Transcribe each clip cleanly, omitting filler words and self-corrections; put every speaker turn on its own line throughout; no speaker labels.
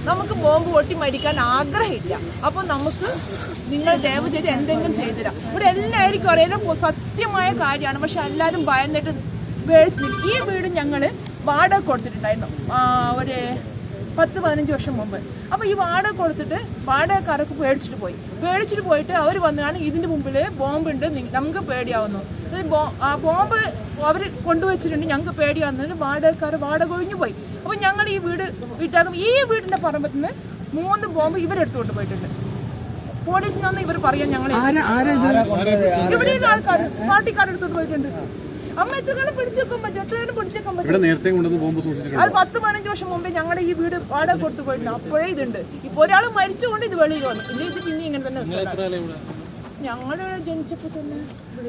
നമുക്ക് ബോംബ് പൊട്ടി മരിക്കാൻ ആഗ്രഹമില്ല. അപ്പൊ നമുക്ക് നിങ്ങൾ ദയവ് ചെയ്ത് എന്തെങ്കിലും ചെയ്തുതരാം. ഇവിടെ എല്ലാവർക്കും അറിയാം സത്യമായ കാര്യമാണ്. പക്ഷെ എല്ലാവരും ഭയന്നിട്ട് ഈ വീട് ഞങ്ങള് വാടക കൊടുത്തിട്ടുണ്ടായിരുന്നു ഒരു 10-15 വർഷം മുമ്പ്. അപ്പൊ ഈ വാടക കൊടുത്തിട്ട് വാടകക്കാരൊക്കെ പേടിച്ചിട്ട് പോയിട്ട് അവർ വന്നാണ് ഇതിന്റെ മുമ്പില് ബോംബുണ്ട്, നമുക്ക് പേടിയാവുന്നു. ആ ബോംബ് അവർ കൊണ്ടുവച്ചിട്ടുണ്ട്, ഞങ്ങൾക്ക് പേടിയാവുന്നതിന് വാടക ഒഴിഞ്ഞു പോയി. അപ്പൊ ഞങ്ങൾ ഈ വീട്ടാകും ഈ വീടിന്റെ പറമ്പത്ത് നിന്ന് 3 ബോംബ് ഇവരെടുത്തുകൊണ്ട് പോയിട്ടുണ്ട്. പോലീസിനൊന്നും ഇവർ പറയാൻ ഞങ്ങൾ ഇവിടെയുള്ള ആൾക്കാർ പാർട്ടിക്കാരെടുത്തോണ്ട് പോയിട്ടുണ്ട്. അമ്മ എത്ര കാലം പിടിച്ചേക്കാൻ പറ്റും? എത്രയാണ് പിടിച്ചേക്കാൻ പറ്റും? അത് 10-15 വർഷം മുമ്പേ ഞങ്ങളുടെ ഈ വീട് വാടക കൊടുത്തു പോയിട്ടുണ്ട്. അപ്പോഴേ ഇതുണ്ട്. ഇപ്പൊ ഒരാൾ മരിച്ചുകൊണ്ട് ഇത് വെളിയിൽ വന്നു. ഇല്ല, ഇത് പിന്നെ ഇങ്ങനെ തന്നെ ഞങ്ങള് ജനിച്ചപ്പോ തന്നെ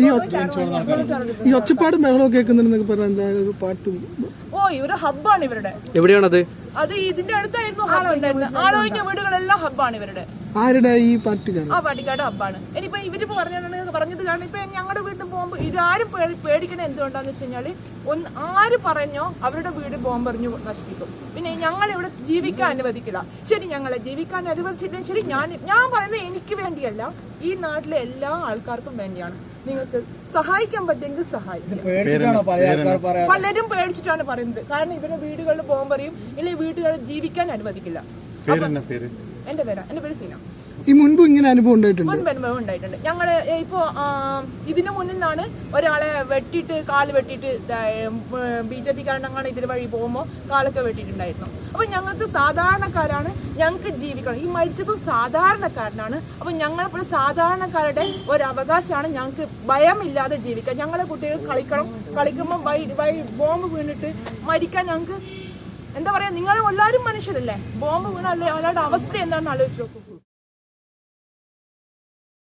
ഈ ഒച്ചപ്പാടും ബഹളവും കേൾക്കുന്നുണ്ടെന്നൊക്കെ പറഞ്ഞ പാട്ടും.
ഓ, ഇവര് ഹബ്ബാണ് ഇവരുടെ.
എവിടെയാണത്?
അത് ഇതിന്റെ അടുത്തായിരുന്നു ആളൊഴിഞ്ഞ വീടുകളെല്ലാം ഹബ്ബാണ് ഇവരുടെ.
ആരുടെ? ഈ പാർട്ടിക്കാരൻ.
ആ പാർട്ടിക്കാരുടെ ഹബ്ബാണ്. ഇനിയിപ്പോ ഇവരിപ്പോ പറഞ്ഞത് കാരണം ഇപ്പൊ ഞങ്ങളുടെ വീട്ടിൽ പോകുമ്പോ ഇതാരും പേടിക്കണ എന്തുകൊണ്ടാന്ന് വെച്ച് കഴിഞ്ഞാല് ആര് പറഞ്ഞോ അവരുടെ വീട് ബോംബെറിഞ്ഞു നശിപ്പിക്കും. പിന്നെ ഞങ്ങൾ ഇവിടെ ജീവിക്കാൻ അനുവദിക്കില്ല. ശരി, ഞങ്ങളെ ജീവിക്കാൻ അനുവദിച്ചിട്ടുണ്ടെങ്കിൽ ശരി, ഞാൻ പറയുന്നത് എനിക്ക് വേണ്ടിയല്ല, ഈ നാട്ടിലെ എല്ലാ ആൾക്കാർക്കും വേണ്ടിയാണ്. നിങ്ങൾക്ക് സഹായിക്കാൻ പറ്റുമെങ്കിൽ സഹായിക്കും. പലരും പേടിച്ചിട്ടാണ് പറയുന്നത്. കാരണം ഇവരുടെ വീടുകളിൽ ബോംബെറിയും, ഇല്ലെങ്കിൽ വീടുകളിൽ ജീവിക്കാൻ അനുവദിക്കില്ല. എന്റെ പേര് സീന.
ഈ മുൻപ് ഇങ്ങനെ അനുഭവം
ഉണ്ടായിട്ടുണ്ട്. ഞങ്ങള് ഇപ്പോ ഇതിനു മുന്നിൽ നിന്നാണ് ഒരാളെ കാല് വെട്ടിയിട്ട് BJP കാരണങ്ങളാണ് ഇതിന് വഴി പോകുമ്പോ കാലൊക്കെ വെട്ടിയിട്ടുണ്ടായിരുന്നു. അപ്പൊ ഞങ്ങൾക്ക് സാധാരണക്കാരാണ്, ഞങ്ങൾക്ക് ജീവിക്കണം. ഈ മരിച്ചതും സാധാരണക്കാരനാണ്. അപ്പൊ ഞങ്ങളെപ്പോഴും സാധാരണക്കാരുടെ ഒരു അവകാശമാണ് ഞങ്ങൾക്ക് ഭയമില്ലാതെ ജീവിക്കാൻ. ഞങ്ങളെ കുട്ടികൾ കളിക്കുമ്പോൾ ബോംബ് വീണിട്ട് മരിക്കാൻ ഞങ്ങൾക്ക് എന്താ പറയാ, നിങ്ങൾ എല്ലാവരും മനുഷ്യരല്ലേ? ബോംബ് വീണല്ലേ അവരുടെ അവസ്ഥ എന്താണെന്ന് ആലോചിച്ച് നോക്കൂ.